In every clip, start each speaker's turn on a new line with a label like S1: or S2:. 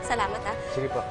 S1: Salamat, ha?
S2: Sige po.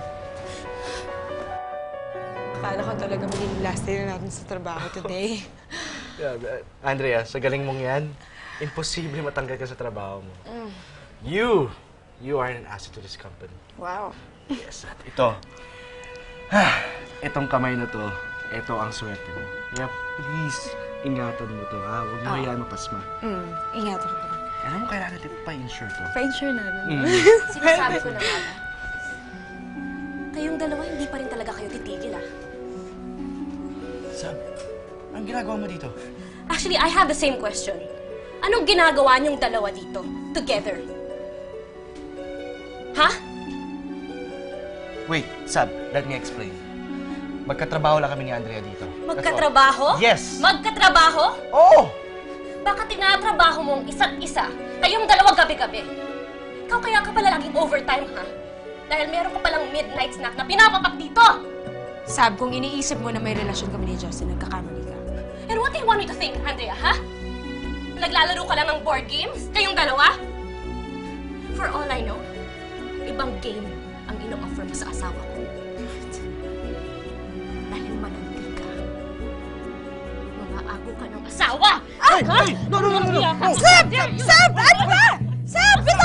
S3: Akala ko talaga magiging last day na natin sa trabaho today.
S2: Andrea, sa galing mong yan, imposible matanggal ka sa trabaho mo. You are an asset to this company.
S3: Wow.
S2: Yes, at ito. Itong kamay na to, ito ang swerte mo. Kaya please, ingatan mo to, ha? Huwag mo hayaan mapasma.
S3: Ingatan ko pa.
S2: Alam mo, kailangan natin pa-insure to.
S3: Pa-insure na.
S1: Sinasabi ko na nga ba? Kayong dalawa, hindi pa rin talaga kayo titigil, ah.
S2: Sab, anong ginagawa mo dito?
S1: Actually, I have the same question. Anong ginagawa niyong dalawa dito, together? Ha?
S2: Wait, Sab, let me explain. Magkatrabaho lang kami ni Andrea dito.
S1: Magkatrabaho?
S2: Yes!
S1: Magkatrabaho?
S2: Oo!
S1: Baka tinatrabaho mong isa't isa, kayong dalawa gabi-gabi. Ikaw kaya ka pala laging overtime, ha? Dahil meron ka palang midnight snack na pinapapak dito!
S3: Sab, kung iniisip mo na may relasyon kami ni Justin, nagkakamali ka.
S1: And what do you want me to think, Andrea, ha? Naglalaro ka lang ng board games? Kayong dalawa? For all I know, ibang game ang ino-offer mo sa asawa ko. Dahil mananti ka. Mamaago ka ng asawa!
S2: Ay! Ay! No!
S3: Sab! Sab! Ano ba? Sab!